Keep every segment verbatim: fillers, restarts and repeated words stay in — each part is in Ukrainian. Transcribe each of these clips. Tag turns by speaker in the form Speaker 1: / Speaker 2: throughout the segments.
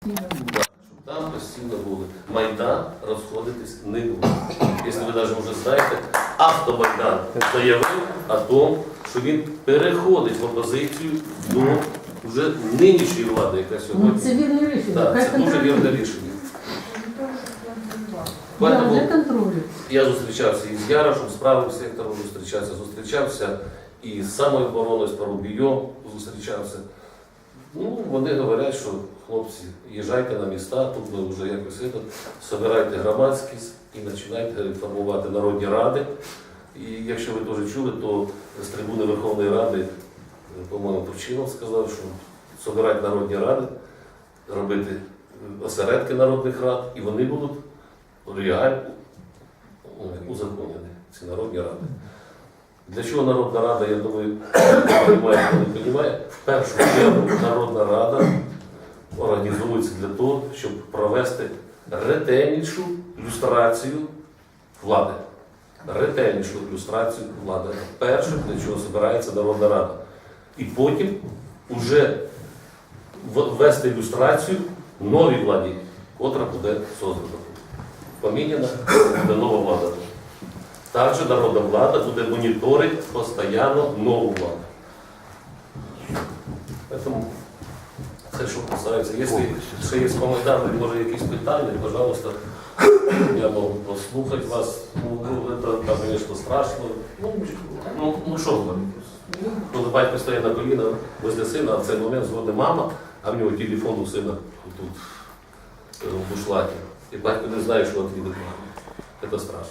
Speaker 1: Щоб там постійно були. Майдан розходитись не буде. Якщо ви навіть вже знаєте, Автомайдан заявив о тому, що він переходить в опозицію до вже нинішньої влади, яка
Speaker 2: Ну,
Speaker 1: сьогодні.
Speaker 2: це вірне рішення.
Speaker 1: Так,
Speaker 2: Хай
Speaker 1: це дуже
Speaker 2: контролює.
Speaker 1: вірне рішення.
Speaker 2: Да,
Speaker 1: Поэтому
Speaker 2: для контролю.
Speaker 1: я зустрічався і з Ярошем, з правим сектором зустрічався, зустрічався і з самообороною, з Парубійом зустрічався. Ну, вони говорять, що хлопці, їжджайте на міста, тут ви вже якось це, собирайте громадськість і починайте формувати народні ради. І якщо ви теж чули, то з трибуни Верховної Ради, по-моєму, Турчинов сказав, що собирати народні ради, робити осередки народних рад, і вони будуть реально узаконені, ці народні ради. Для чого Народна Рада, я думаю, хто розуміє, хто не розуміє, в першу чергу Народна Рада організується для того, щоб провести ретельнішу люстрацію влади. Ретельнішу люстрацію влади. Перше, для чого збирається Народна Рада. І потім вже ввести ілюстрацію новій владі, котра буде создана. Поміняна буде нова влада. Також народна влада буде моніторити постійно нову владу. Тому це, що касається. Якщо ще є по Майдану, може якісь питання, пожалуйста, я можу послухати вас. Ну, це, звісно, страшно. Ну, ну, ну що ви? Коли батько стає на коліна возле сина, а в цей момент дзвонить мама, а в нього телефон у сина тут в бушлаті. І батько не знає, що відповідати мамі. Це страшно.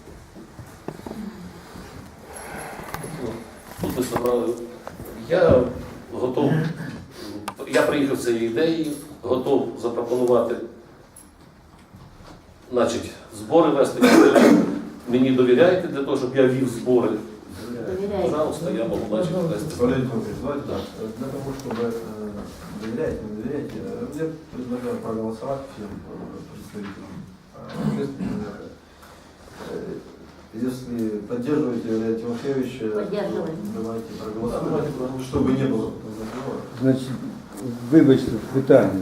Speaker 1: Тут ми собрали. Я готов, я приїхав з цією ідеєю, готов запропонувати, значить, збори вести. Мені довіряєте для того, щоб я вів збори. Пожалуйста, я могу начать вести.
Speaker 3: Валерий Дмитриевич, давайте так. Для того, чтобы э, доверять, не доверять, э, я предлагаю проголосовать всем э, представителям э, общественного. Э, Если поддерживаете Валерия Тимофеевича, то давайте проголосуем, чтобы не было разговора.
Speaker 4: Значить, вибачте, питання.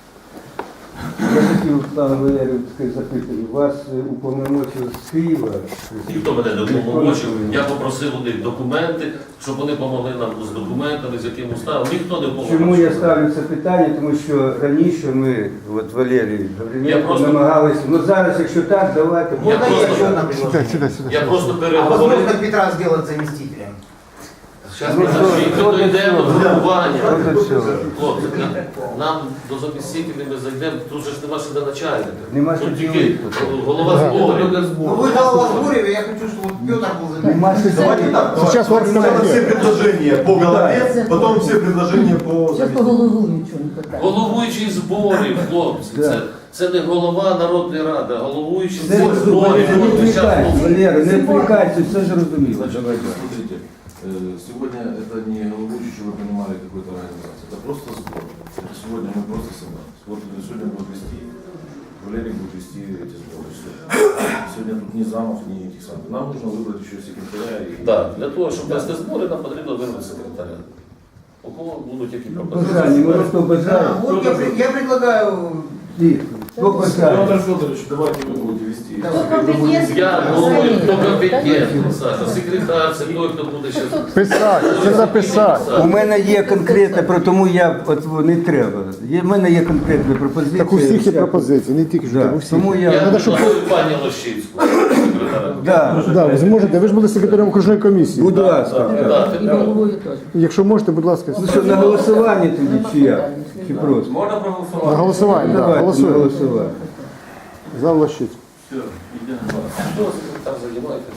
Speaker 4: Я хотів, пане Валерію, запитати, вас уповномочили з Києва?
Speaker 1: Ніхто мене не допомогив. Я попросив у них документи, щоб вони допомогли нам з документами, з яким уставом. Ніхто не допомагав.
Speaker 4: Чому я ставлю це питання? Тому що раніше ми, от Валерій Гавриленко,
Speaker 1: просто-
Speaker 4: намагалися, ну зараз, якщо так, давайте.
Speaker 1: Я
Speaker 5: Можно я еще одно
Speaker 1: просто,
Speaker 5: предложение?
Speaker 1: я просто
Speaker 5: А
Speaker 1: переговорив.
Speaker 5: возможно Петра сделать заместителем?
Speaker 1: Зараз
Speaker 4: Ну,
Speaker 1: ми
Speaker 4: що,
Speaker 1: нашли,
Speaker 4: що
Speaker 1: ми
Speaker 4: до
Speaker 1: дійдемо до
Speaker 4: цього?
Speaker 1: формування.
Speaker 4: Що до цього?
Speaker 1: Хлопці, нам- нам до замістителів ми зайдемо, тут же ж нема ще до начальника.
Speaker 4: Нема що
Speaker 1: Тут тільки
Speaker 4: ділити.
Speaker 1: голова зборів.
Speaker 5: Ну вы голова Зборів, я хочу, чтобы Петр был заместителем.
Speaker 4: Нема що
Speaker 3: Давайте
Speaker 4: ділити.
Speaker 3: так.
Speaker 6: Сейчас
Speaker 3: давайте сначала все предложения по голове, потом все предложения по
Speaker 2: Зараз по
Speaker 3: заместителю.
Speaker 2: головуючому питання.
Speaker 1: Головуючий зборів, хлопці.
Speaker 4: Да.
Speaker 1: Це, це не голова Народної Ради, а головуючий
Speaker 4: Це
Speaker 1: зборів.
Speaker 4: Валерій, не
Speaker 1: Ми щас
Speaker 4: відвлікайтеся,
Speaker 1: мов-
Speaker 4: Валерій, не відвлікайтеся, все зрозуміло.
Speaker 7: Значит,
Speaker 4: Давайте.
Speaker 7: смотрите, э, сегодня это не головующий, чтобы вы понимали, какой-то организации. Это просто сбор. Это сегодня мы просто собрались. Вот сегодня будет вести, Валерий будет вести эти сборы. Всё. Сегодня тут ни замов, ни этих самых. Нам нужно выбрать еще секретаря. И...
Speaker 1: Так, для того, щоб вести збори, нам потрібно вибрати секретаря. У кого будуть які
Speaker 4: Бажання,
Speaker 1: пропозиції?
Speaker 4: може хто
Speaker 5: Да,
Speaker 4: бажає?
Speaker 5: вот я, при- я предлагаю...
Speaker 4: Ні, хто бажає?
Speaker 7: Петр Федорович, давайте вы будете вести.
Speaker 5: Да.
Speaker 2: Хто компетентний?
Speaker 1: Я думаю, хто компетентний, Саша, секретар, це той, хто буде ще...
Speaker 6: Писати, це записати.
Speaker 4: У мене є конкретне, про тому я от не треба. Є, в мене є конкретна пропозиція.
Speaker 6: Так у всіх є
Speaker 4: Вся-
Speaker 6: пропозиції, не тільки що
Speaker 4: Да.
Speaker 6: у всіх.
Speaker 4: Тому
Speaker 1: Я
Speaker 4: я,
Speaker 1: пропоную пані Лощинську, секретаря.
Speaker 4: да,
Speaker 6: Да, ви зможете, ви ж були секретарем окружної комісії.
Speaker 4: будь ласка.
Speaker 1: Так,
Speaker 2: І головою теж.
Speaker 6: Якщо можете, будь ласка,
Speaker 4: Ну що, на голосування тоді чи як? Чи просто?
Speaker 3: Можно
Speaker 6: на
Speaker 3: проголосовать?
Speaker 6: голосування. Да,
Speaker 4: Давайте на
Speaker 6: голосуємо.
Speaker 4: голосування.
Speaker 6: За Лощиць.
Speaker 7: Все, идем.
Speaker 1: Хто секретар займаєте?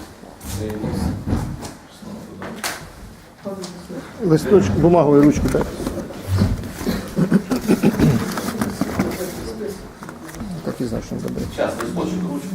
Speaker 6: Листочок, бумагу і ручку, так? Так і знав, що він забере.
Speaker 1: Зараз, листочок, ручку.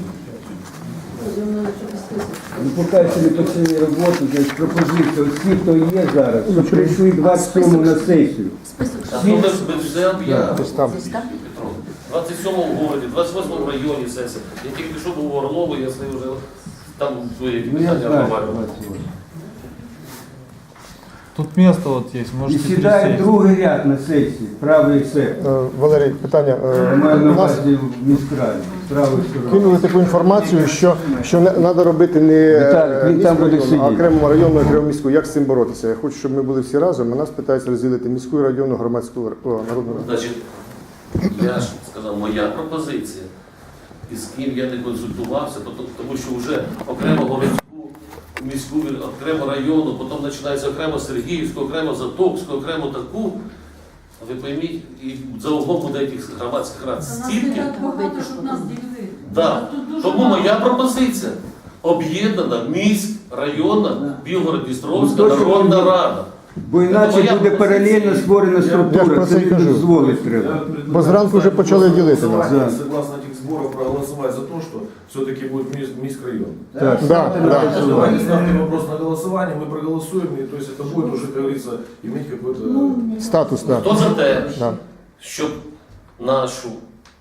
Speaker 4: Ну, поки ще не почали роботу, значить пропозиція, ось ті, хто є зараз, що прийшли двадцять сьомого на сесію.
Speaker 1: А то ми ми все об'явимо.
Speaker 6: Ось там.
Speaker 1: Петро. двадцять сьомому в городі, двадцять восьмому в районі сесія. Я тільки що був у Орлову, я з ним вже там свої
Speaker 4: Ну я
Speaker 1: питання
Speaker 4: знаю,
Speaker 1: обговорював.
Speaker 4: двадцять восьмого.
Speaker 8: Тут место вот есть,
Speaker 4: І
Speaker 8: можете
Speaker 4: сідає
Speaker 8: пересесть.
Speaker 4: другий ряд на сесії, правий сектор.
Speaker 6: Е, Валерій, питання. Е,
Speaker 4: Я маю на
Speaker 6: У нас
Speaker 4: увазі в міськраді, правий сектор.
Speaker 6: кинули таку інформацію, що, що не треба робити не
Speaker 4: Віталік, він
Speaker 6: е,
Speaker 4: там буде
Speaker 6: міськрайонну, а
Speaker 4: сидіти.
Speaker 6: окрему районну, окрему міську. Як з цим боротися? Я хочу, щоб ми були всі разом, а нас питаються розділити міську і районну громадську о, народну раду.
Speaker 1: Значить, я ж сказав, моя пропозиція, і з ким я не консультувався, то- тому що вже окремо городську, міську, окремо району, потім починається окремо Сергіївську, окремо Затокську, окремо таку. Ви пойміть, і за углом буде якихось громадських рад
Speaker 9: Та нас не
Speaker 1: стільки.
Speaker 9: так багато, щоб нас ділили.
Speaker 1: Да.
Speaker 9: Нас тут дуже
Speaker 1: Тому
Speaker 9: багато.
Speaker 1: моя пропозиція об'єднана міськ, районна, Білгород-Дністровська
Speaker 4: Ну, то, що
Speaker 1: народна
Speaker 4: ви-
Speaker 1: рада.
Speaker 4: Бо іначе
Speaker 1: Моя
Speaker 4: буде паралельно
Speaker 1: пропозиція.
Speaker 4: створена
Speaker 6: Я ж
Speaker 4: структура,
Speaker 6: про
Speaker 4: це
Speaker 6: це й
Speaker 4: не
Speaker 6: кажу.
Speaker 4: дозволить
Speaker 7: Я
Speaker 4: треба.
Speaker 7: предлагаю
Speaker 6: Бо зранку вже почали ділити нас.
Speaker 7: голосование,
Speaker 4: Да.
Speaker 7: Согласно этих сборов проголосовать за то, что все-таки будет Мис- міськрайон.
Speaker 4: Так,
Speaker 6: Да, да.
Speaker 7: Давайте ставьте вопрос на голосование, мы проголосуем, и то есть это будет уже, как говорится, иметь какой-то...
Speaker 6: Статус, так.
Speaker 1: Хто за те,
Speaker 6: Да.
Speaker 1: щоб нашу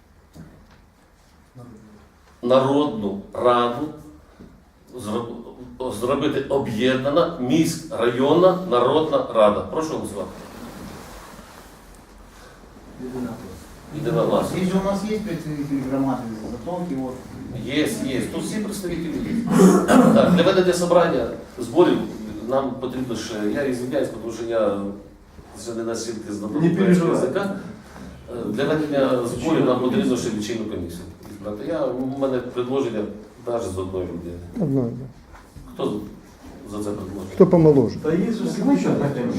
Speaker 1: народну раду зроб- зробити об'єднана міськ, районна народна рада? Прошу голосувати. Єдина влада.
Speaker 5: Здесь же у нас есть представители громады Затонки, вот.
Speaker 1: Є, є. Тут всі представники є. Так, для ведення собрання зборів нам потрібно ще, я ізвиняюсь, тому що я ще не настільки знаток
Speaker 7: Не
Speaker 1: українського
Speaker 7: переживай.
Speaker 1: язика. Е, Для ведення зборів нам потрібно ще лічильну комісію. збирати. Я, у мене предложення навіть з одної людини.
Speaker 6: Одною.
Speaker 1: Хто за це предложення?
Speaker 6: Хто помоложе?
Speaker 7: Да есть же еще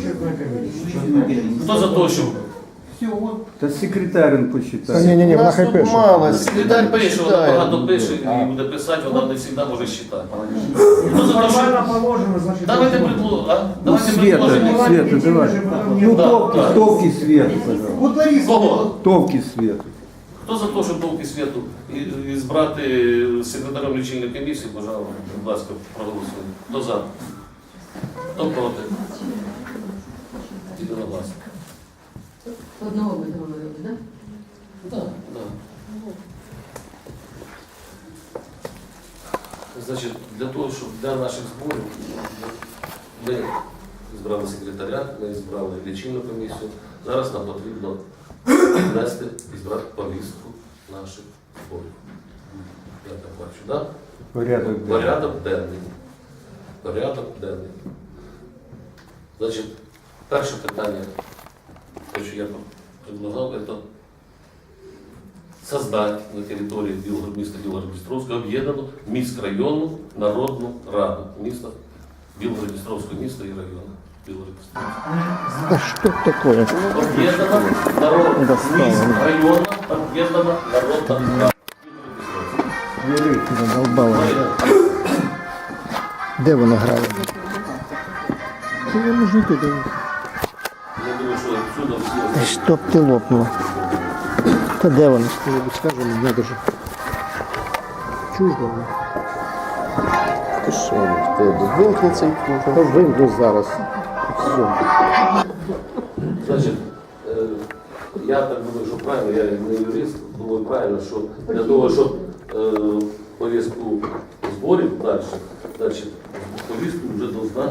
Speaker 1: Хто за те, щоб
Speaker 5: Все, вот.
Speaker 4: Та секретарин
Speaker 6: Та
Speaker 4: посчитає.
Speaker 6: ні, ні, ні, вона хай пише.
Speaker 1: секретар пише, вона багато пише і буде писати, вона не завжди може читати. Хто за те, щоб... Давайте предложення. а?
Speaker 4: Ну,
Speaker 1: Давайте
Speaker 4: Света,
Speaker 1: предложення.
Speaker 4: Света, давай. Ну,
Speaker 1: Да,
Speaker 4: товки,
Speaker 1: да.
Speaker 4: товки Света, пожалуйста.
Speaker 5: Вот Лариса.
Speaker 1: Кого?
Speaker 4: Товки Света.
Speaker 1: Хто за те, щоб довгі світу і, і збрати секретарем лічильної комісії, пожалуйста, будь ласка, проголосуємо. Хто за? Хто проти? Єдиногласно.
Speaker 2: Одного ми договорили, так?
Speaker 1: Так, так. Значить, для того, щоб для наших зборів ми збрали секретаря, ми збрали лічильну комісію. Зараз нам потрібно внести і збрати повістку наших зборів. Я так бачу, так?
Speaker 4: Порядок. денний.
Speaker 1: Порядок денний. Порядок денний. Значить, перше питання, те, що я предлагав, це создать на території Білгород, міста Білгород-Дністровська об'єднану міськрайонну народну раду міста Білгород-Дністровського міста і району Білгород-Дністровського.
Speaker 6: Да что такое?
Speaker 1: Об'єднана народна
Speaker 6: Достало.
Speaker 1: міськрайонна об'єднана народна рада. Білгород-Дністровська.
Speaker 6: Задолбало. Де вона грає? Чи я можу йти?
Speaker 1: Я думаю, що отсюда всі...
Speaker 6: Чтоб ти лопнула. Та де вона? Хто-небудь скаже, мені не дуже. Чуж вона? Ти що, в тебе? Вимкни цей пульт. Та вимкну зараз. Все.
Speaker 1: Значить, е, я так думаю, що правильно, я не юрист, думаю правильно, що для того, щоб е, повістку зборів далі, значить, повістку вже должна.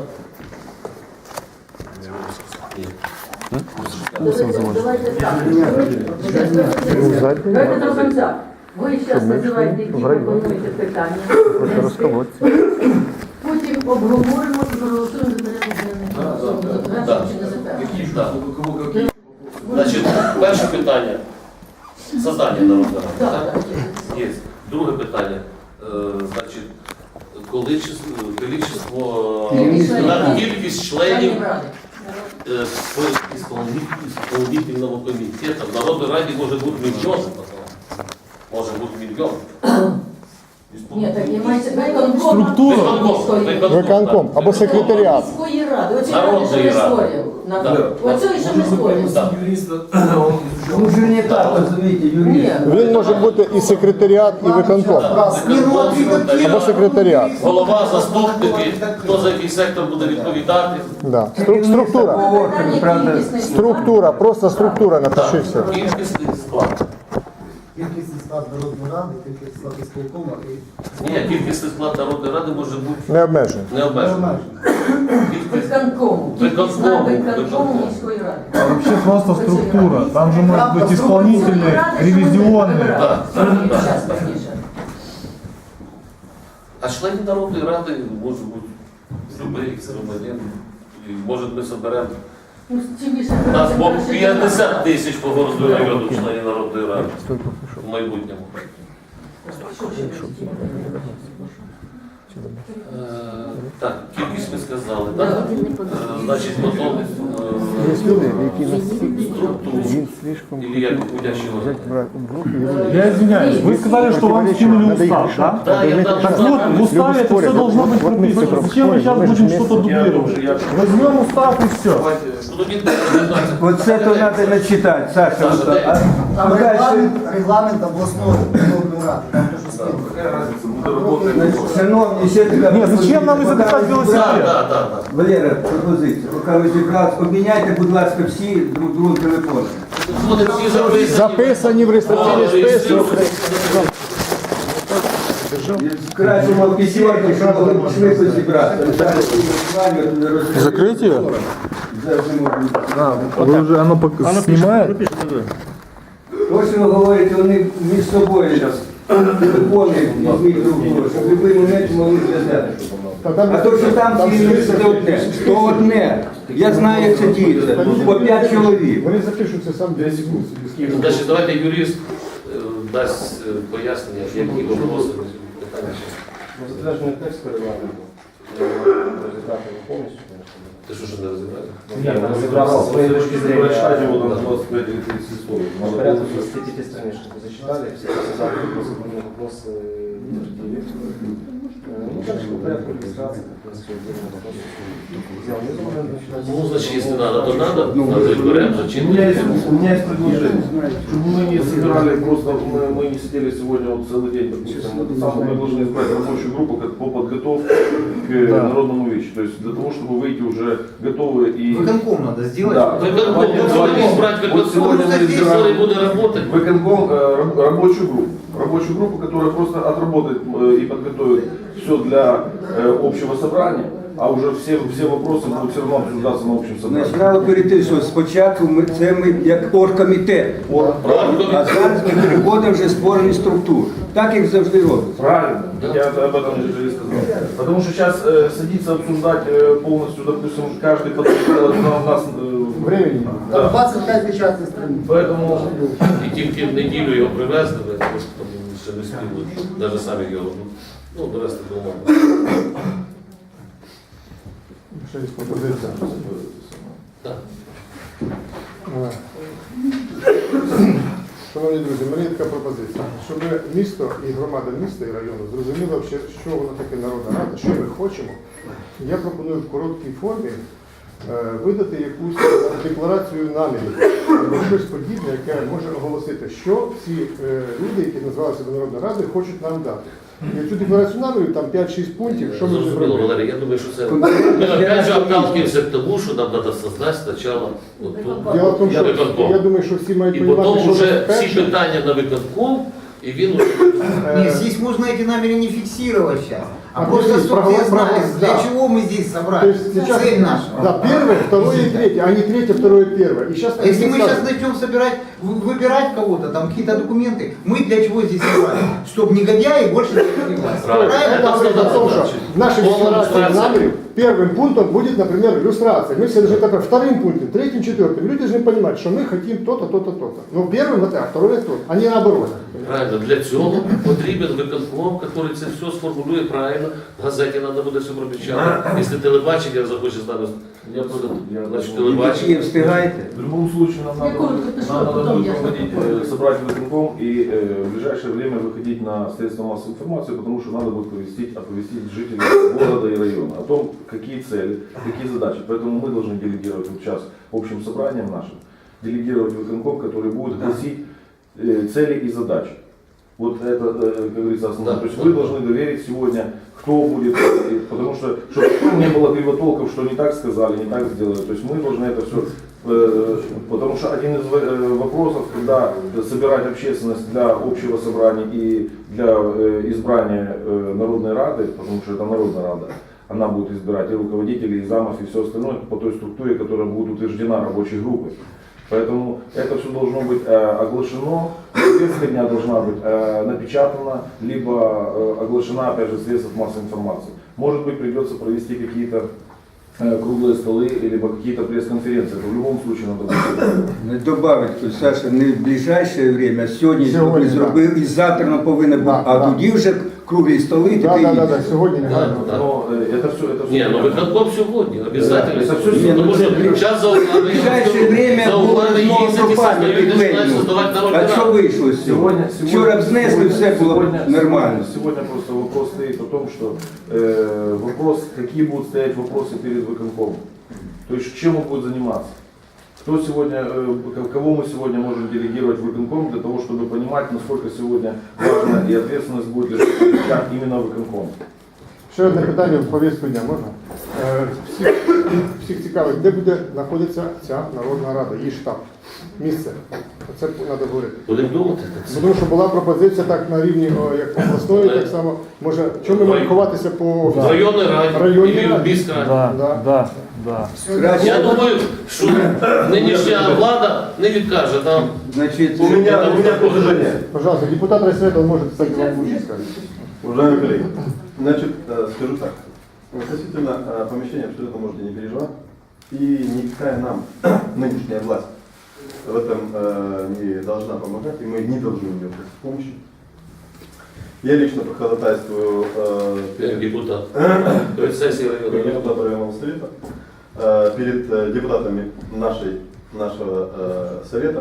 Speaker 1: Ні.
Speaker 2: Давайте так.
Speaker 6: задній.
Speaker 2: Давайте до конца. Ви зараз називаєте, які
Speaker 6: в районі.
Speaker 2: пропонуєте питання.
Speaker 6: Просто розколоться.
Speaker 2: Потім обговоримо і проголосуємо за порядок денний.
Speaker 1: Да.
Speaker 2: Затверджуємо чи не затверджуємо.
Speaker 7: Какие же,
Speaker 1: Да.
Speaker 7: у кого какие?
Speaker 1: Значить, перше питання. Создання народного
Speaker 2: Так,
Speaker 1: ради.
Speaker 2: так,
Speaker 1: так? Є. Друге питання. Е, значить, количество, количество
Speaker 2: Кількість
Speaker 1: на
Speaker 2: членів.
Speaker 1: кількість членів
Speaker 2: Членів ради.
Speaker 1: э, по исполнитель- исполнительного комитета. В Народной Раде может быть миллион. Может быть миллион.
Speaker 2: Ні, так і мається виконком.
Speaker 8: Структура.
Speaker 1: Виконком, виконком,
Speaker 6: Виконком
Speaker 1: так.
Speaker 6: або секретаріат.
Speaker 2: Міської ради. Оце
Speaker 1: Народної
Speaker 2: що ми
Speaker 1: ради.
Speaker 2: створюємо. На-
Speaker 1: Да.
Speaker 2: Оце що ми створюємо.
Speaker 1: Да.
Speaker 7: Юриста, он изучал.
Speaker 4: Ну, же не так, розумієте, юрист.
Speaker 2: Ні.
Speaker 6: Він може бути і секретаріат, і виконком.
Speaker 5: Не, ну а ты как
Speaker 6: Або секретаріат.
Speaker 1: Голова, заступники, хто за який сектор буде відповідати.
Speaker 6: Да. Стру- Структура.
Speaker 4: Орган, правда,
Speaker 2: Кількісний склад.
Speaker 6: Структура, просто структура, напиши все.
Speaker 1: Кількісний склад.
Speaker 10: Кількісний склад Народної ради, кількісний склад ісполкому і
Speaker 1: Ні, кількісний склад Народної Ради може бути
Speaker 6: Не обмежено.
Speaker 1: не обмежений.
Speaker 10: обмежений.
Speaker 2: Виконкому.
Speaker 1: Виконкому,
Speaker 2: На виконкому
Speaker 1: виконкому.
Speaker 2: міської ради.
Speaker 8: А вообще просто структура. Там же может быть
Speaker 2: Там
Speaker 8: исполнительные,
Speaker 2: Ради, що ми
Speaker 8: ревизионные.
Speaker 2: вибирали.
Speaker 1: Да.
Speaker 2: Щас, пізніше.
Speaker 1: А членів Народної ради може бути любий громадян. І може ми соберемо.
Speaker 2: Ну, чим більше
Speaker 1: У нас
Speaker 2: тим
Speaker 1: бо
Speaker 2: краще для
Speaker 1: п'ятдесят
Speaker 2: нас.
Speaker 1: тисяч по городу району членів Народної ради в майбутньому. Е, Так, кількість ми сказали, так? Е, Значить, потім
Speaker 6: Є
Speaker 1: е,
Speaker 6: люди, які нас
Speaker 1: структуру.
Speaker 6: він слишком
Speaker 1: Или як гудящий
Speaker 6: взять
Speaker 1: орган.
Speaker 6: брать в руки и вылезть.
Speaker 8: Я извиняюсь, вы сказали, что вам скинули
Speaker 6: Надо их
Speaker 8: устав,
Speaker 6: решать.
Speaker 8: да?
Speaker 1: Да, я
Speaker 6: Надо
Speaker 1: дам
Speaker 6: иметь-
Speaker 8: Так вот, в уставе
Speaker 6: Люди
Speaker 8: это
Speaker 6: спорят,
Speaker 8: все должно
Speaker 6: вот-
Speaker 8: быть
Speaker 6: вот мы
Speaker 8: прописано.
Speaker 6: только
Speaker 8: Зачем мы
Speaker 6: спорим,
Speaker 8: сейчас
Speaker 6: мы же
Speaker 8: будем
Speaker 6: вместе.
Speaker 8: что-то дублировать?
Speaker 7: Я-
Speaker 8: Возьмем устав и все.
Speaker 1: Ну, він не
Speaker 4: Вот це то треба начитати, Саша.
Speaker 1: Саша,
Speaker 4: вот,
Speaker 1: дай.
Speaker 4: а,
Speaker 10: Там
Speaker 4: а дальше,
Speaker 10: регламент, регламент областной народной рады. Там то, что
Speaker 7: Да,
Speaker 10: скинули.
Speaker 7: какая разница, мы работаем.
Speaker 4: значить, шановні, ще така
Speaker 8: Ні, зачем нам
Speaker 4: пропозиція.
Speaker 8: изобретать
Speaker 4: Поки
Speaker 8: велосипед?
Speaker 1: Так, так, так.
Speaker 4: Валера, пропозиція. Поки ви зібралися, обміняйте, будь ласка, всі друг другу телефони.
Speaker 1: Вони всі записані.
Speaker 6: Записані в реєстраційний
Speaker 1: О,
Speaker 6: список.
Speaker 4: Краще мав пісюрки, щоб могли швидко зібрати.
Speaker 8: Закрыть ее? Вы уже, оно пока снимает?
Speaker 4: Точно говорите, вони між собою телефони візьміть друг друга, щоб в будь-який момент могли зв'язати. А то, що там ці це одне, то одне. Я знаю, як це діється. По п'ять чоловік.
Speaker 6: Вони запишуться сам дві секунди.
Speaker 1: Значить, давайте юрист е, дасть е, пояснення, які вопроси питання.
Speaker 3: Затверджений текст регламенту. Розібрати його повністю.
Speaker 1: Ти що ж не розібрати?
Speaker 3: Ні, ми розібрали з своєї точки зрения.
Speaker 7: Прочитать его там двадцать пять или тридцать слов. Надо
Speaker 3: Порядка
Speaker 7: было-
Speaker 3: двадцати пяти страничек вы зачитали, все эти заходы, процедурные вопросы утвердили. Э, Ну, дальше по порядку регистрации, как раз все отдельные вопросы. Взял внизу, наверное, начинать.
Speaker 1: Ну, значить, якщо треба, то треба, надо беремо,
Speaker 7: У меня
Speaker 1: зачинити.
Speaker 7: есть, у меня есть предложение, чтобы мы не собирали просто, мы, мы не сидели сегодня вот целый день, допустим, это самое, мы должны избрать рабочую группу как по подготовке к народному вечу, то есть для того, чтобы выйти уже готовые и...
Speaker 5: Выконком надо сделать.
Speaker 7: Да.
Speaker 1: Виконком, будемо збирати
Speaker 7: Вот
Speaker 1: виконком,
Speaker 7: сегодня мы
Speaker 1: який
Speaker 7: избираем
Speaker 1: буде працювати.
Speaker 7: выконком, э, раб- рабочую группу. Рабочую группу, которая просто отработает э, и подготовит все для э, общего собрания, а уже все, все вопросы будут все равно обсуждаться на общем собрании.
Speaker 4: Значить, треба перейти, що спочатку ми, це ми як оргкомітет, а зараз ми переходимо вже створені структури. Так, як завжди робиться.
Speaker 7: Правильно, я об этом же и сказал. Потому что сейчас э, садиться обсуждать э, полностью, допустим, каждый подготовил, у нас э,
Speaker 6: Времени.
Speaker 10: Там
Speaker 7: да.
Speaker 10: двадцать пять печатных страниц.
Speaker 7: Поэтому
Speaker 1: І тільки в неділю його привезли, тому що там ще не спіли, навіть самі його, ну, довести до ума.
Speaker 6: Ще є пропозиція.
Speaker 1: Так.
Speaker 6: Шановні друзі, в мене є така пропозиція, щоб місто і громада міста і району зрозуміли, що воно таке народна рада, що ми хочемо. Я пропоную в короткій формі е, видати якусь декларацію намірів або щось подібне, яке може оголосити, що всі е, люди, які називалися до Народної ради, хочуть нам дати. І цю декларацію намірів, там п'ять-шість пунктів, що ми вже
Speaker 1: Зрозуміло,
Speaker 6: зробили.
Speaker 1: Валерій, я думаю, що це... Ми опять же отталкиваемся к тому, що нам треба создати спочатку от ту
Speaker 6: Діло в тому, що
Speaker 1: виконком.
Speaker 6: я думаю, що всі мають
Speaker 1: І
Speaker 6: розуміти,
Speaker 1: потім
Speaker 6: що
Speaker 1: вже
Speaker 6: це
Speaker 1: всі
Speaker 6: перше.
Speaker 1: питання на виконком, і він уже...
Speaker 5: Нет, здесь можно эти намерения не фиксировать сейчас. А
Speaker 6: А
Speaker 5: просто,
Speaker 6: здесь
Speaker 5: чтобы
Speaker 6: проголос-
Speaker 5: все знали,
Speaker 6: проголос-
Speaker 5: для
Speaker 6: да.
Speaker 5: чего мы здесь
Speaker 6: То
Speaker 5: собрались.
Speaker 6: есть сейчас,
Speaker 5: Цель наша.
Speaker 6: да, первое, второе и третье, а не третье, второе, первое. И сейчас,
Speaker 5: А если мы сейчас начнем собирать, вы- выбирать кого-то, там какие-то документы, мы для чего здесь собрались? Чтобы негодяи больше не появлялись.
Speaker 1: Правильно.
Speaker 5: Правильно?
Speaker 6: Это говорит о том, что в нашей
Speaker 1: Полная
Speaker 6: декларации
Speaker 1: иллюстрация.
Speaker 6: намеров первым пунктом будет, например, иллюстрация. Мы все должны так, вторым пунктом, третьим, четвертым. Люди должны понимать, что мы хотим то-то, то-то, то-то. Но первым это, а второе то, а не наоборот.
Speaker 1: Правильно, для цього потрібен виконком, який це все сформулює правильно. В газеті треба буде все пропечатати. Якщо телебачення захоче з нами, я буду, значить,
Speaker 4: І
Speaker 1: телебачення.
Speaker 4: встигаєте?
Speaker 7: в любом случае нам
Speaker 2: Я
Speaker 7: надо,
Speaker 2: коротко пишу,
Speaker 7: нам надо
Speaker 2: потом
Speaker 7: будет
Speaker 2: я
Speaker 7: проводить,
Speaker 2: запомню.
Speaker 7: э, собрать виконком и э, в ближайшее время выходить на средства массовой информации, потому что надо будет оповестить, оповестить жителей города и района о том, какие цели, какие задачи. Поэтому мы должны делегировать вот сейчас общим собранием нашим, делегировать виконком, который будет гласить э, цели и задачи. Вот это, э, как говорится, основное.
Speaker 1: Да.
Speaker 7: То есть вы должны доверить сегодня, кто будет, э, потому что, чтобы не было кривотолков, что не так сказали, не так сделали. То есть мы должны это все, потому что один из э, вопросов, когда собирать общественность для общего собрания и для э, избрания э, Народной Рады, потому что это Народная Рада, она будет избирать и руководителей, и замов, и все остальное по той структуре, которая будет утверждена рабочей группой. Поэтому это все должно быть э, оглашено, повестка дня должна быть э, напечатана, либо э, оглашена, опять же, средств массовой информации. Может быть, придется провести какие-то э, круглые столы, либо какие-то пресс-конференции. Это в любом случае надо будет.
Speaker 4: Добавить, то, Саша, не в ближайшее время, а сьогодні
Speaker 8: Сьогодні,
Speaker 4: зробив, і завтра не повинен бути,
Speaker 8: Да,
Speaker 4: а
Speaker 8: да.
Speaker 4: тоді вже круглі столи і
Speaker 8: Да,
Speaker 4: таке
Speaker 8: да, да,
Speaker 4: інше.
Speaker 8: да, сьогодні не
Speaker 1: Да,
Speaker 8: гайно.
Speaker 1: да.
Speaker 7: Но э, это все, это все.
Speaker 1: Не, ну виконком сьогодні, обязательно.
Speaker 7: Это всё
Speaker 4: Не, ну,
Speaker 1: Потому что
Speaker 4: это-
Speaker 1: сейчас за углами,
Speaker 4: В ближайшее время
Speaker 1: за
Speaker 4: було
Speaker 1: углами
Speaker 4: знову
Speaker 1: їздять і
Speaker 4: пропасть
Speaker 1: создають, і починають создавати народні
Speaker 4: А що
Speaker 1: ради.
Speaker 4: вийшло з цього?
Speaker 7: Сегодня,
Speaker 4: Вчора б знесли, все було
Speaker 7: сегодня,
Speaker 4: нормально.
Speaker 7: Сегодня просто вопрос стоит о том, что э, вопрос, какие будут стоять вопросы перед выконкомом. То есть чем он будет заниматься. Кто сегодня, э, к- кого мы сегодня можем делегировать в выконком для того, чтобы понимать, насколько сегодня важна и ответственность будет лежать именно выконком.
Speaker 8: Ще одне питання в повістку дня можна? Е, Всіх, всіх цікавить, де буде знаходитися ця Народна Рада, її штаб, місце. Це треба говорити.
Speaker 1: Будемо думати.
Speaker 8: Тому що була пропозиція так на рівні о, як обласної, так само. Може, чому ми маємо ховатися по
Speaker 1: В
Speaker 8: офісу?
Speaker 1: районній раді,
Speaker 8: Районній
Speaker 1: і в
Speaker 8: раді.
Speaker 1: міськраді.
Speaker 8: Да, да,
Speaker 6: да.
Speaker 4: Краще,
Speaker 1: Я думаю, що нинішня влада не відкаже нам.
Speaker 4: значить,
Speaker 3: У меня, у меня предложение.
Speaker 8: Пожалуйста, депутат райсовета может, кстати, вам лучше сказать.
Speaker 3: Уважаемые коллеги, значит, э, скажу так. Относительно э, помещения абсолютно можете не переживать. И никакая нам нынешняя власть в этом э, не должна помогать, и мы не должны у нее просить помощи. Я лично проходатайствую э,
Speaker 1: Як
Speaker 3: перед,
Speaker 1: депутат. Перед сесією
Speaker 3: как
Speaker 1: районної ради.
Speaker 3: депутат районного совета, э, перед э, депутатами нашей, нашего э, совета,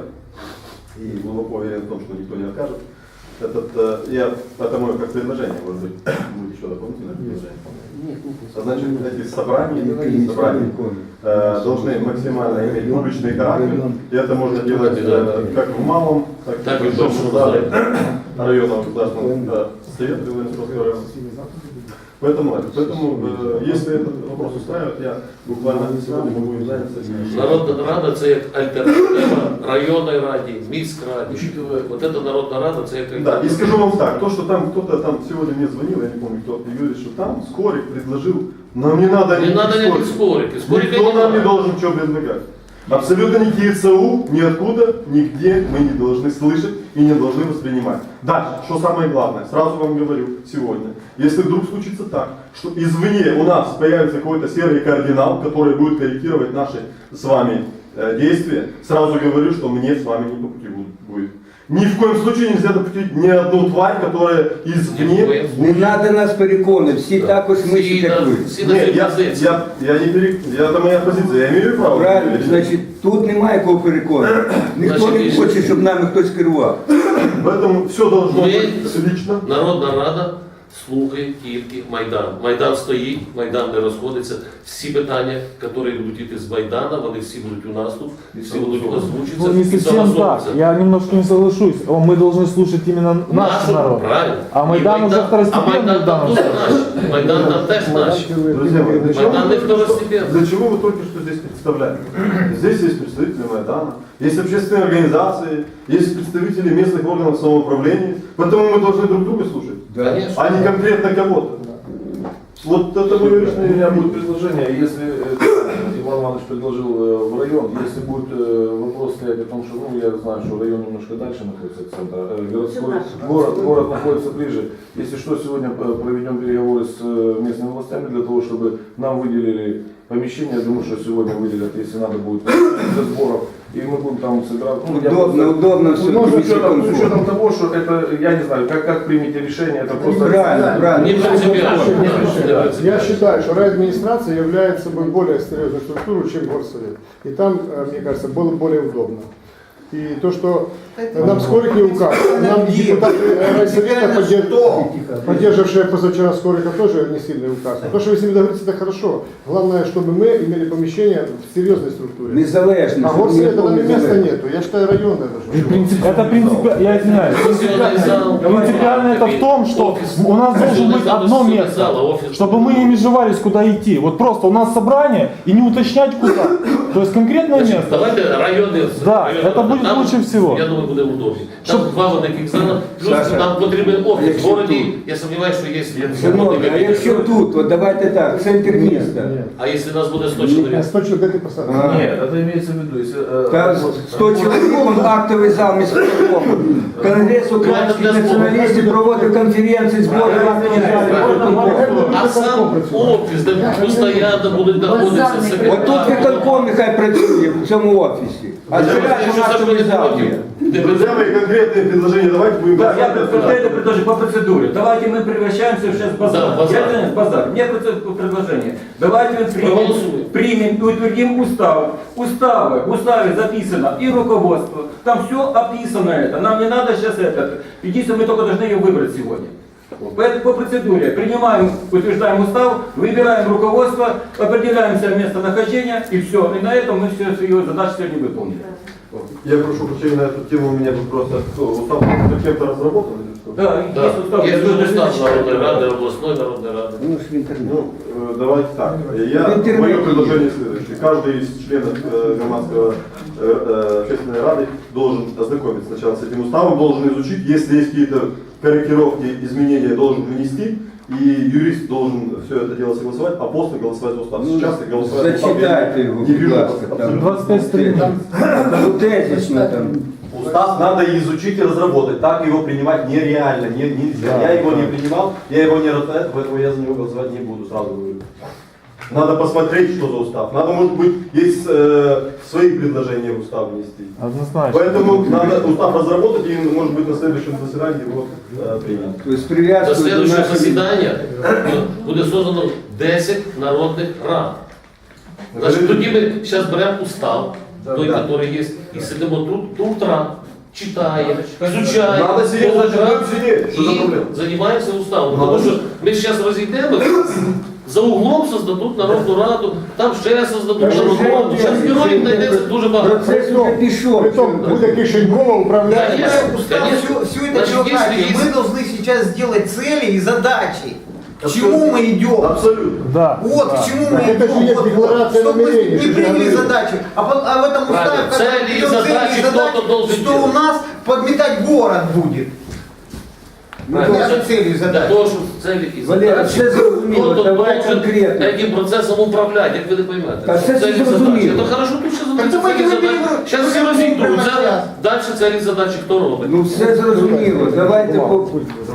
Speaker 3: и глубоко уверен в том, что никто не откажет. Этот, э, я, это мое как предложение, может быть, будет еще дополнительное предложение. А Значит, эти собрания, эти собрания э, должны максимально иметь публичный характер, и это можно делать э, как в малом, так,
Speaker 1: Так
Speaker 3: и
Speaker 1: и
Speaker 3: в
Speaker 1: в
Speaker 3: большом
Speaker 1: большом
Speaker 3: зале
Speaker 1: зале.
Speaker 3: районного государственного э, совета Ленинского района. Поэтому, это- поэтому э, если этот вопрос устраивает, я буквально сегодня могу им заняться.
Speaker 1: Народна рада це як альтернатива районної раді, міськраді. Вот эта народна рада це як
Speaker 3: Да, и
Speaker 1: альтернатива.
Speaker 3: скажу вам так, то, что там кто-то там сегодня мне звонил, я не помню кто, и говорит, что там Скорик предложил, нам не надо
Speaker 1: Не
Speaker 3: никаких
Speaker 1: надо никаких
Speaker 3: Скориков.
Speaker 1: Скорики. Скорика
Speaker 3: Никто
Speaker 1: не
Speaker 3: нам не
Speaker 1: надо.
Speaker 3: должен ничего предлагать. Абсолютно никакие ЦУ, ниоткуда, нигде мы не должны слышать и не должны воспринимать. Дальше, что самое главное, сразу вам говорю сегодня, если вдруг случится так, что извне у нас появится какой-то серый кардинал, который будет корректировать наши с вами э, действия, сразу говорю, что мне с вами не по пути будет. Ни в коем случае нельзя допустить ни одну тварь, которая
Speaker 1: Ни в
Speaker 3: извне...
Speaker 1: коем
Speaker 4: не треба нас переконувати, всі також
Speaker 1: Всі
Speaker 4: мислять, як
Speaker 1: на-
Speaker 4: ви.
Speaker 1: всі на
Speaker 3: Нет,
Speaker 1: цій
Speaker 3: я,
Speaker 1: позиції.
Speaker 3: я, я не пере... я, это моя позиция, я имею право.
Speaker 4: Правильно,
Speaker 3: говорить.
Speaker 4: значить, тут немає кого переконувати. Ніхто не
Speaker 1: Значить,
Speaker 4: хоче, щоб нами хтось керував.
Speaker 3: Поэтому все должно
Speaker 1: Мы-
Speaker 3: быть лично.
Speaker 1: Народна рада слухає тільки Майдан. Майдан стоїть, Майдан не розходиться. Всі питання, які будуть йти з Майдана, вони всі будуть у нас тут, всі будуть озвучитися.
Speaker 8: Ну, не
Speaker 1: і
Speaker 8: совсем так.
Speaker 1: согласовуватися.
Speaker 8: Я немножко не соглашусь. О, Мы должны слушать именно наш
Speaker 1: Нашу,
Speaker 8: народ.
Speaker 1: правильно.
Speaker 8: А
Speaker 1: І
Speaker 8: Майдан уже
Speaker 1: А
Speaker 8: второстепенний
Speaker 1: Майдан
Speaker 8: в
Speaker 1: там
Speaker 8: данном
Speaker 1: теж
Speaker 8: случае.
Speaker 1: наш. Майдан там теж наш.
Speaker 3: Друзья мои, для чего,
Speaker 1: Майдан
Speaker 3: вы
Speaker 1: не
Speaker 3: только что,
Speaker 1: второстепенный.
Speaker 3: для чего вы только что здесь представляете? Здесь есть представители Майдана, есть общественные организации, есть представители местных органов самоуправления, поэтому мы должны друг друга слушать,
Speaker 1: Конечно.
Speaker 3: а не конкретно кого-то. Вот это мое
Speaker 7: У
Speaker 3: личное
Speaker 7: меня будет предложение, если э, Иван Иванович предложил э, в район, если будет э, вопрос стоять о том, что, ну, я знаю, что район немножко дальше находится от центра, э, городской, город, город находится ближе. Если что, сегодня э, проведем переговоры с э, местными властями для того, чтобы нам выделили помещение. Я думаю, что сегодня выделят, если надо будет, для сборов. И мы будем там собирать. Ну, я
Speaker 4: Удобно,
Speaker 7: просто-
Speaker 4: удобно все.
Speaker 7: Ну, с учетом, с учетом того, что это, я не знаю, как, как примете решение, это просто...
Speaker 4: Правильно, правильно.
Speaker 1: Не принципиально. Не
Speaker 8: Я
Speaker 1: принципиально.
Speaker 8: считаю, что райадминистрация является собой более серьезной структурой, чем горсовет. И там, э, мне кажется, было более удобно. И то, что нам Скорик не указ, нам депутаты райсовета, поддерж- поддерживавшие позавчера Скорика, тоже не сильный указ. Но то, что вы с ними договоритесь, это хорошо. Главное, чтобы мы имели помещение в серьезной структуре.
Speaker 4: Незалежно.
Speaker 8: А
Speaker 4: щоб
Speaker 8: горсовета
Speaker 4: ніхто
Speaker 8: там
Speaker 4: не
Speaker 8: и места
Speaker 4: залежить.
Speaker 8: нету. Я считаю, районное должно.
Speaker 6: Это принципиально, я извиняюсь,
Speaker 1: Сессионный зал,
Speaker 6: принципиально это в том, что
Speaker 1: офис.
Speaker 6: у нас должен
Speaker 1: Сессионный
Speaker 6: быть
Speaker 1: зал,
Speaker 6: одно
Speaker 1: сессионный
Speaker 6: место,
Speaker 1: зал, офис.
Speaker 6: чтобы мы не межевались, куда идти. Вот просто у нас собрание и не уточнять куда. То есть конкретное
Speaker 1: Значит,
Speaker 6: место.
Speaker 1: давайте районы.
Speaker 6: Да,
Speaker 1: районы
Speaker 6: это будет
Speaker 11: будет
Speaker 1: Там,
Speaker 11: лучше всего.
Speaker 1: Я думаю, буде удобно. Там два великих зала, плюс
Speaker 4: Саша,
Speaker 1: нам потрібен офіс. В
Speaker 4: якщо
Speaker 1: городі,
Speaker 4: тут-
Speaker 1: я сумніваюся, що є
Speaker 4: Шановні, а якщо тут, от давайте так, центр міста.
Speaker 1: А якщо нас буде сто чоловік?
Speaker 8: сто человек ты поставил.
Speaker 4: А.
Speaker 7: Нет, это имеется в виду, если... э,
Speaker 4: Та
Speaker 7: вот,
Speaker 4: сто чоловік, он актовий зал міського. Конгрес українських націоналістів проводив конференції, збори актових залів.
Speaker 1: А сам офіс, де постійно будуть знаходитися
Speaker 4: От тут
Speaker 1: секретарі.
Speaker 4: виконком нехай працює в цьому офісі. А
Speaker 1: Якщо
Speaker 4: зараз у нас
Speaker 1: Сашко
Speaker 4: актовий
Speaker 1: не
Speaker 4: зал
Speaker 1: проти,
Speaker 4: є.
Speaker 7: Друзья мои, конкретные предложения давайте будем...
Speaker 12: Да, я предлагаю предложить по процедуре. Давайте мы превращаемся сейчас в базар.
Speaker 1: Да, базар.
Speaker 12: Я, базар. У меня пред- предложение. Давайте мы примем,
Speaker 1: Проголосуем.
Speaker 12: примем и утвердим устав. Уставы. В уставе записано и руководство. Там все описано это. Нам не надо сейчас это. Единственное, мы только должны ее выбрать сегодня. Поэтому по процедуре принимаем, утверждаем устав, выбираем руководство, определяемся местонахождение и все. И на этом мы все свои задачи сегодня выполнили.
Speaker 3: Я прошу прощения на эту тему, у меня вопрос. Кто, устав кем-то разработан или что?
Speaker 12: Да,
Speaker 1: Да.
Speaker 12: есть устав.
Speaker 1: Є
Speaker 12: Я
Speaker 1: дуже
Speaker 12: должен
Speaker 1: устав
Speaker 12: зачитать.
Speaker 1: Народної Ради, обласної Народної Ради.
Speaker 4: Ну ж в інтернеті.
Speaker 3: Ну, э, давайте так. Я,
Speaker 4: В интернете
Speaker 3: мое
Speaker 4: есть.
Speaker 3: предложение следующее. Каждый из членов э, громадского э, э, общественной рады должен ознакомиться сначала с этим уставом, должен изучить, если есть какие-то корректировки, изменения, должен внести, и юрист должен все это дело согласовать, а после голосовать за устав. Сейчас и голосовать за устав я
Speaker 4: Зачитайте його,
Speaker 3: не
Speaker 4: будь
Speaker 3: вижу.
Speaker 4: ласка. Там
Speaker 11: двадцять п'ять сторінок.
Speaker 4: Ну, тезисно там.
Speaker 13: Устав надо изучить и разработать. Так его принимать нереально, не, нельзя. Я его не принимал, я его не рассмотрел, поэтому я за него голосовать не буду, сразу говорю.
Speaker 3: Надо посмотреть, что за устав. Надо, может быть, есть э, свои предложения в устав внести.
Speaker 11: Однозначно.
Speaker 3: Поэтому надо устав разработать и, может быть, на следующем заседании его э, принять.
Speaker 4: Тобто з
Speaker 1: До
Speaker 4: прив'язкою до
Speaker 1: слідчого
Speaker 4: нашої...
Speaker 1: засідання буде создано десять народних рад. Значить, тоді ми зараз беремо устав, той, який є, і сидимо тут, тут рад, читаємо, изучаємо,
Speaker 3: Надо сидеть,
Speaker 1: тут
Speaker 3: значит,
Speaker 1: рад,
Speaker 3: будем сидеть. Что за
Speaker 1: і
Speaker 3: проблема?
Speaker 1: займаємося уставом.
Speaker 3: Надо.
Speaker 1: Тому що ми зараз розійдемо, за углом создадуть Народну Раду, там ще создадуть
Speaker 4: Та
Speaker 1: Народну
Speaker 4: вже
Speaker 1: Раду. Зараз
Speaker 4: вже
Speaker 1: героїв
Speaker 4: вже
Speaker 1: знайдеться дуже багато.
Speaker 4: Процес уже пішов.
Speaker 8: Притом буде Кишенькова управляє.
Speaker 1: Конечно,
Speaker 5: Устав
Speaker 1: конечно.
Speaker 5: все, это
Speaker 1: Значит,
Speaker 5: человек.
Speaker 1: если
Speaker 5: Мы
Speaker 1: есть-
Speaker 5: должны сейчас сделать цели и задачи. К чему мы идем?
Speaker 3: Абсолютно.
Speaker 11: Да.
Speaker 5: Вот к чему мы
Speaker 8: Это же
Speaker 5: идем.
Speaker 8: есть
Speaker 5: Вот,
Speaker 8: декларация
Speaker 5: чтобы мы
Speaker 8: намерений,
Speaker 5: не
Speaker 8: что
Speaker 5: приняли
Speaker 8: говорили.
Speaker 5: задачи, а, по- а в этом уставе
Speaker 1: Правильно.
Speaker 5: как
Speaker 1: Цели и
Speaker 5: идет
Speaker 1: задачи кто-то должен
Speaker 5: что
Speaker 1: делать.
Speaker 5: у нас подметать город будет.
Speaker 1: Правильно.
Speaker 5: Даже целью
Speaker 1: Для
Speaker 5: задачи.
Speaker 1: того, щоб цілі і
Speaker 4: Валера,
Speaker 1: задачі,
Speaker 4: все зрозуміло,
Speaker 1: хто-то
Speaker 4: давай
Speaker 1: должен
Speaker 4: конкретно.
Speaker 1: этим процесом управляти, як ви не поймете.
Speaker 4: Та все
Speaker 1: Цілі
Speaker 4: зрозуміло.
Speaker 1: задачі. Це хорошо, тут ще
Speaker 5: Так
Speaker 1: задачі,
Speaker 5: давайте
Speaker 1: цілі
Speaker 5: ми
Speaker 1: задачі.
Speaker 5: переберемо.
Speaker 1: Зараз всі
Speaker 5: Прямо
Speaker 1: розійдуться,
Speaker 5: зараз.
Speaker 1: далі цілі задачі хто робить.
Speaker 4: Ну все зрозуміло, давайте по...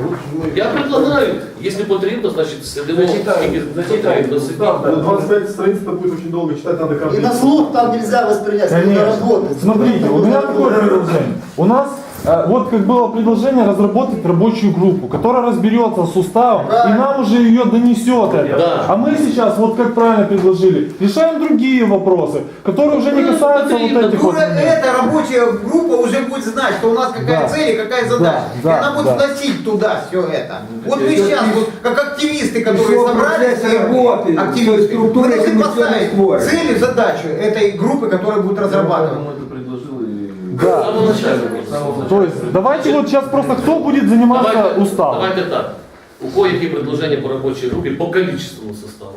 Speaker 1: Я предлагаю, якщо потрібно, значить сидимо, скільки потрібно
Speaker 3: Ну,
Speaker 1: сидіти.
Speaker 3: двадцать пять страниц это будет очень долго читать, надо каждый
Speaker 10: И на
Speaker 3: день.
Speaker 10: слух там нельзя воспринять, надо
Speaker 11: Конечно.
Speaker 10: работать.
Speaker 11: Смотрите, у меня такое предложение. У нас э, вот как было предложение разработать рабочую группу, которая разберется с уставом и нам уже ее донесет это.
Speaker 1: Да.
Speaker 11: А мы сейчас, вот как правильно предложили, решаем другие вопросы, которые уже не
Speaker 1: Ну,
Speaker 11: касаются вот
Speaker 1: потребно.
Speaker 11: этих вот.
Speaker 5: Уже эта рабочая группа уже будет знать, что у нас какая
Speaker 11: Да.
Speaker 5: цель и какая задача.
Speaker 11: Да,
Speaker 5: и
Speaker 11: да,
Speaker 5: она будет
Speaker 11: да.
Speaker 5: вносить туда все это. Вот мы сейчас, вот, как активисты, которые
Speaker 4: Пішов
Speaker 5: собрались,
Speaker 4: процес роботи, той
Speaker 5: активисты,
Speaker 4: структури,
Speaker 5: мы
Speaker 4: яку
Speaker 5: должны
Speaker 4: ми сьогодні
Speaker 5: поставить
Speaker 4: створюємо.
Speaker 5: цель и задачу этой группы, которая будет разрабатывать.
Speaker 7: Поэтому это предложил и...
Speaker 11: Да.
Speaker 1: З самого начала.
Speaker 7: С самого начала.
Speaker 11: То есть давайте вот сейчас просто кто будет заниматься
Speaker 1: Давайте,
Speaker 11: уставом.
Speaker 1: давайте так. У кого які предложення по робочій групі по количественному составу?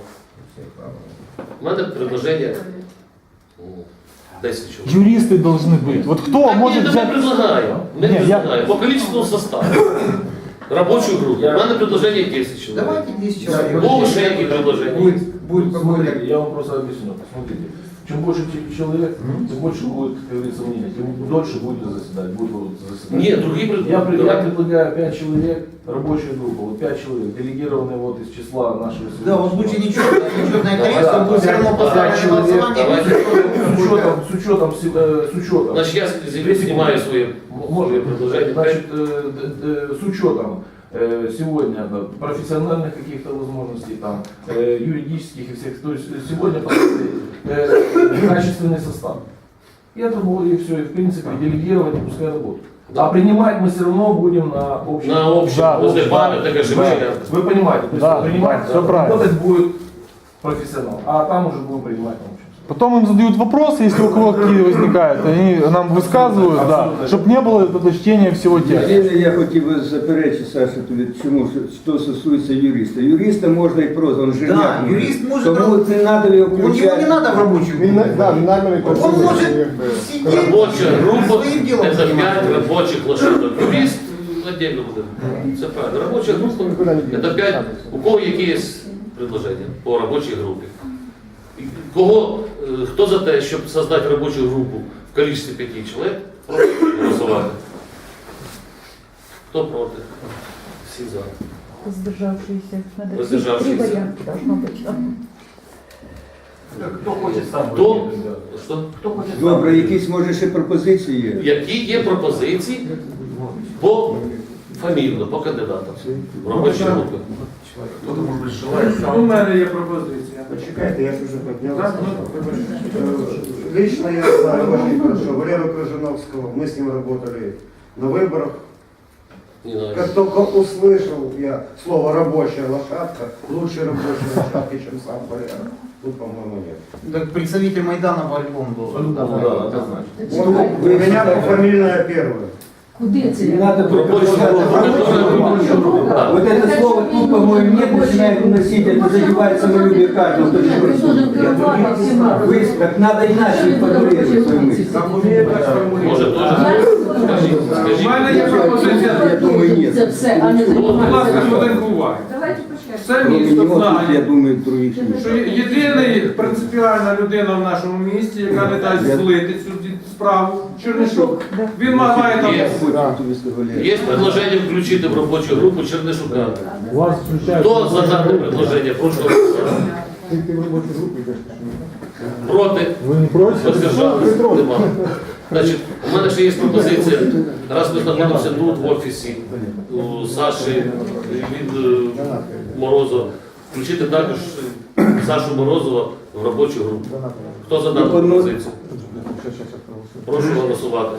Speaker 1: У мене предложення ну, десять чоловік.
Speaker 11: Юристы должны быть. Вот кто
Speaker 1: Так,
Speaker 11: может
Speaker 1: ні,
Speaker 11: взять...
Speaker 1: ми предлагаємо. Ми
Speaker 11: Ні, я-
Speaker 1: предлагаємо. По количественному составу. Робочу групу. У мене предложення десять чоловік.
Speaker 5: Давайте десять человек.
Speaker 1: Кого ще які предложення?
Speaker 5: Будет, будет
Speaker 7: Смотрите,
Speaker 5: какой-то...
Speaker 7: я вам просто объясню. Смотрите, чем больше ч- человек, тем больше будет, как говорится, мнения, тем дольше будет заседать. Будет вот заседать.
Speaker 1: Ні, другі
Speaker 7: Я,
Speaker 1: предложення.
Speaker 7: пред- я предлагаю пять человек, рабочая группа, вот пять человек, делегированные вот из числа нашего...
Speaker 5: Да, вот лучше нечетное, нечетное количество,
Speaker 7: Да,
Speaker 5: будет все равно
Speaker 7: пять
Speaker 5: поставлено
Speaker 7: человек,
Speaker 5: голосование.
Speaker 1: давайте.
Speaker 7: С учетом, с учетом, с, э, с учетом.
Speaker 1: Значить, я з- знімаю своє
Speaker 7: Можно
Speaker 1: предложення.
Speaker 7: Значит, э, д- д- с учетом э, сегодня да, профессиональных каких-то возможностей, там, э, юридических и всех, то есть сегодня поставили, э, качественный состав. И это будет, и все, и в принципе делегировать, и пускай работают. А принимать мы все равно будем на общем.
Speaker 1: На общем,
Speaker 11: Да,
Speaker 1: возле
Speaker 11: да,
Speaker 1: памятника
Speaker 11: да.
Speaker 1: Шевченка.
Speaker 7: Вы понимаете, то есть
Speaker 11: Да,
Speaker 7: принимать,
Speaker 11: да, всё правильно.
Speaker 7: работать будет профессионал, а там уже будем принимать на общем.
Speaker 11: Потом им задают вопросы, если у кого какие возникают, они нам высказывают, да, чтобы не было этого чтения всего текста.
Speaker 4: Єдине, я хотів би заперечити, Саша, тобі, чому, що стосується юриста. Юриста можна і просто, он же
Speaker 5: Да, юрист может
Speaker 4: Тому
Speaker 5: раб-
Speaker 4: не треба його
Speaker 5: У него не
Speaker 4: включати.
Speaker 5: надо в рабочую
Speaker 8: Він,
Speaker 5: группу.
Speaker 8: да, він наміри
Speaker 5: Он может сидеть
Speaker 1: Робоча група
Speaker 5: своим делом
Speaker 1: це
Speaker 5: заниматься.
Speaker 1: п'ять робочих лошадок. Юрист отдельно буде. Це правильно. Робоча група це п'ять. У кого які є предложення по робочій групі? І Кого, е, хто за те, щоб создати робочу групу в кількості п'яти чоловік, прошу голосувати. Хто проти? Всі за.
Speaker 9: Воздержавшиеся. Надо
Speaker 1: Воздержавшиеся.
Speaker 9: три варианта должно быть.
Speaker 12: Кто хочет сам?
Speaker 1: Хто? Що?
Speaker 12: Кто хочет сам?
Speaker 4: Добре, якісь може ще пропозиції є?
Speaker 1: Які є пропозиції по фамільно, по кандидатам в робочій групі?
Speaker 7: Кто-то, может быть, желает.
Speaker 10: У мене є пропозиція. Почекайте, я ж вже піднявся. Лично я знаю очень хорошо Валеру Крыжиновского, мы с ним работали на выборах.
Speaker 1: Не знаю.
Speaker 10: Как только услышал я слово «рабочая лошадка», лучше рабочей лошадки, чем сам Валера. Тут, по-моему, нет.
Speaker 5: Так представитель Майдана по-любому должен.
Speaker 1: Ну, да, однозначно.
Speaker 10: Он, у меня фамильная первая.
Speaker 9: Куди це?
Speaker 4: Не надо
Speaker 1: Робочу групу.
Speaker 4: Вот это слово тут, по-моему, нет, начинает уносить, это задевает самолюбие каждого, кто
Speaker 9: Ты должен керувати всіма.
Speaker 4: Вы, как надо иначе формулировать свою мысль.
Speaker 10: Как умеет, так формулирует.
Speaker 1: Може, теж скажіть,
Speaker 10: У
Speaker 1: скажіть.
Speaker 10: мене є пропозиція.
Speaker 4: Я думаю, ні.
Speaker 9: Це все, а не
Speaker 10: Будь ласка,
Speaker 9: займатися.
Speaker 10: хвилинку уваги.
Speaker 9: Давайте почнемо.
Speaker 10: Все
Speaker 4: Кроме
Speaker 10: місто
Speaker 4: него, тут, я
Speaker 10: знає,
Speaker 4: думаю, других нет.
Speaker 10: що єдиний принципіальна людина в нашому місті, яка не дасть злити цю ді- справу, Чернишук. Він має там...
Speaker 1: Є. Є предложення включити в робочу групу Чернишука.
Speaker 11: Вас включают.
Speaker 1: Хто за дане предложення? Прошу голосувати.
Speaker 8: Ты, ты в рабочую группу идешь?
Speaker 1: Проти?
Speaker 11: Вы не против?
Speaker 1: Воздержались? Нема. Значить, у мене ще є пропозиція. Раз ми знаходимося тут, в офісі, у Саші від е, Морозова, включити також Сашу Морозова в робочу групу. Хто за дану пропозицію?
Speaker 8: Сейчас, сейчас, сейчас проголосуем.
Speaker 1: Прошу голосувати.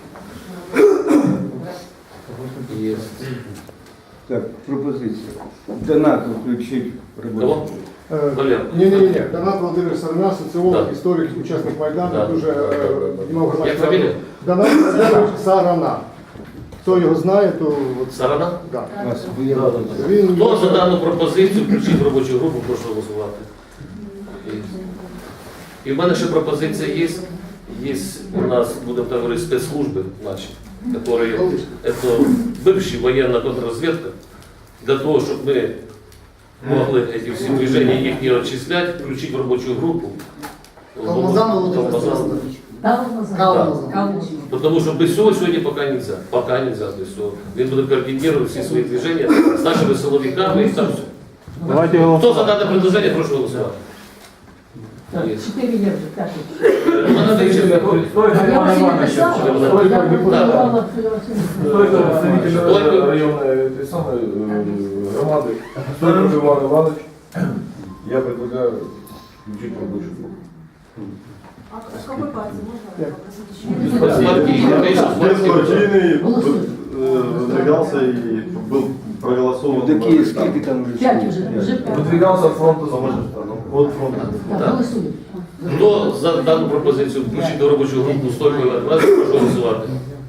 Speaker 1: Є.
Speaker 4: Так, пропозиція. Донату включить в робочу.
Speaker 1: Кого?
Speaker 8: Э,
Speaker 1: Валер.
Speaker 8: Не-не-не, Донат Владимир Сарна, социолог,
Speaker 1: Да.
Speaker 8: историк, участник Майдана,
Speaker 1: Да.
Speaker 8: дуже э, піднімав
Speaker 1: Як
Speaker 8: громадську
Speaker 1: фамілія?
Speaker 8: раду. Донат Владимир Сарана. Хто його знає, то от,
Speaker 1: Сарана?
Speaker 8: да.
Speaker 4: Вас
Speaker 8: Він
Speaker 1: Хто за дану пропозицію включити в робочу групу, прошу голосувати. Є. І в мене ще пропозиція є. Є у нас, будемо так говорити, спецслужби наші, которые, это бывшая военная контрразведка, для того, чтобы мы могли эти все движения их не отчислять, включить в рабочую группу.
Speaker 10: Калмазан Володимир
Speaker 1: Калмазан.
Speaker 9: Калмазан.
Speaker 1: Потому что без всего сегодня пока нельзя. Пока нельзя без всего. Він буде координировать все свои движения с нашими силовиками и там все.
Speaker 11: Давайте
Speaker 1: Кто
Speaker 11: голосовать.
Speaker 1: за данное предложение, прошу голосовать.
Speaker 9: Так,
Speaker 1: Є.
Speaker 9: чотири є вже, так.
Speaker 1: У мене ще-
Speaker 12: Стойко
Speaker 9: Я
Speaker 12: Иван
Speaker 9: вас не
Speaker 12: Иванович.
Speaker 9: писала,
Speaker 12: Стойко
Speaker 9: я
Speaker 1: Да.
Speaker 9: пропонувала.
Speaker 7: Стойко представитель
Speaker 1: Стойко.
Speaker 7: районной этой самой э, громады. Стойко Иван Иванович. Я предлагаю включить в рабочую группу.
Speaker 9: А з какой партії можна
Speaker 1: З партії, конечно, з партії.
Speaker 13: Беспартийный,
Speaker 9: Голосуй.
Speaker 13: э, выдвигался и был проголосован.
Speaker 4: Такі, скільки там вже?
Speaker 9: П'ять вже, вже п'ять.
Speaker 7: Выдвигался от фронта за
Speaker 13: От фронту.
Speaker 9: Так, голосуємо.
Speaker 1: Хто за дану пропозицію включити в робочу групу стойку Іван Іванович, прошу голосувати.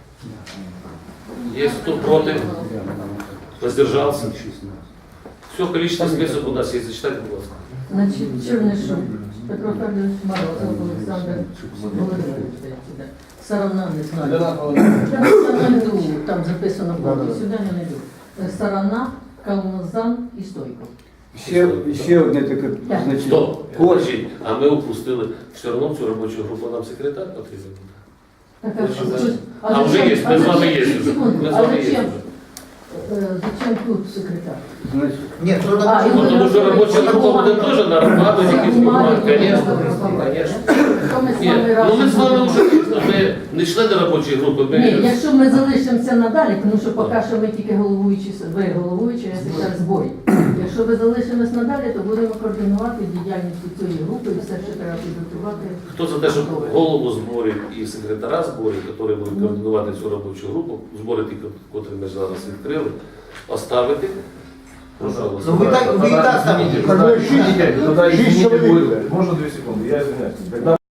Speaker 1: Є хто проти? Воздержався? Все, количество список у нас є, зачитайте, будь ласка.
Speaker 9: Значить, Чернишов, Петро Федорович Морозов, Олександр Володимирович, здається, да. Сарана не знаю. Я не знайду, там записано повністю, сюди не знайду. Сарана, Калмазан і Стойко.
Speaker 4: Ще, ще одне таке,
Speaker 9: Так.
Speaker 4: значить,
Speaker 1: Стоп,
Speaker 4: кожен.
Speaker 1: Подождіть, а ми упустили все одно в цю робочу групу нам секретар потрібен.
Speaker 9: Так,
Speaker 1: Ви
Speaker 9: а
Speaker 1: що,
Speaker 9: що-
Speaker 1: да?
Speaker 9: а
Speaker 1: А вже
Speaker 9: зачем-
Speaker 1: є, ми
Speaker 9: а
Speaker 1: з вами
Speaker 9: зачем-
Speaker 1: є вже.
Speaker 9: секунду,
Speaker 1: Ми з
Speaker 9: а
Speaker 1: вами є
Speaker 9: зачем-
Speaker 1: вже.
Speaker 9: е, Зачем тут секретар?
Speaker 4: Значить,
Speaker 5: Нет, кто
Speaker 9: А,
Speaker 5: такой?
Speaker 9: и
Speaker 1: Ну, тому що робоча група буде теж на роботу, якісь бумаги, звісно, звісно.
Speaker 9: То ми з
Speaker 1: Ні,
Speaker 9: вами
Speaker 1: ну ми з вами
Speaker 9: разом.
Speaker 1: вже ми не члени робочої групи,
Speaker 9: Ні,
Speaker 1: ми
Speaker 9: якщо ми залишимося надалі, тому що поки що ми тільки головуючі, ви головуючі, я секретар зборів. Якщо ви залишимось надалі, то будемо координувати діяльність цієї групи і все, що треба підготувати.
Speaker 1: хто за те, щоб голову зборів і секретара зборів, які будуть координувати цю робочу групу, збори ті, котрі ми зараз відкрили, оставити Пожалуйста.
Speaker 5: Ну вы так, вы и так там
Speaker 7: Извините,
Speaker 8: Как бы
Speaker 7: тогда,
Speaker 8: шесть-
Speaker 7: извините, тогда,
Speaker 8: шесть
Speaker 7: извините,
Speaker 8: человек,
Speaker 7: будет-
Speaker 8: да.
Speaker 7: можно две секунды, я извиняюсь. Когда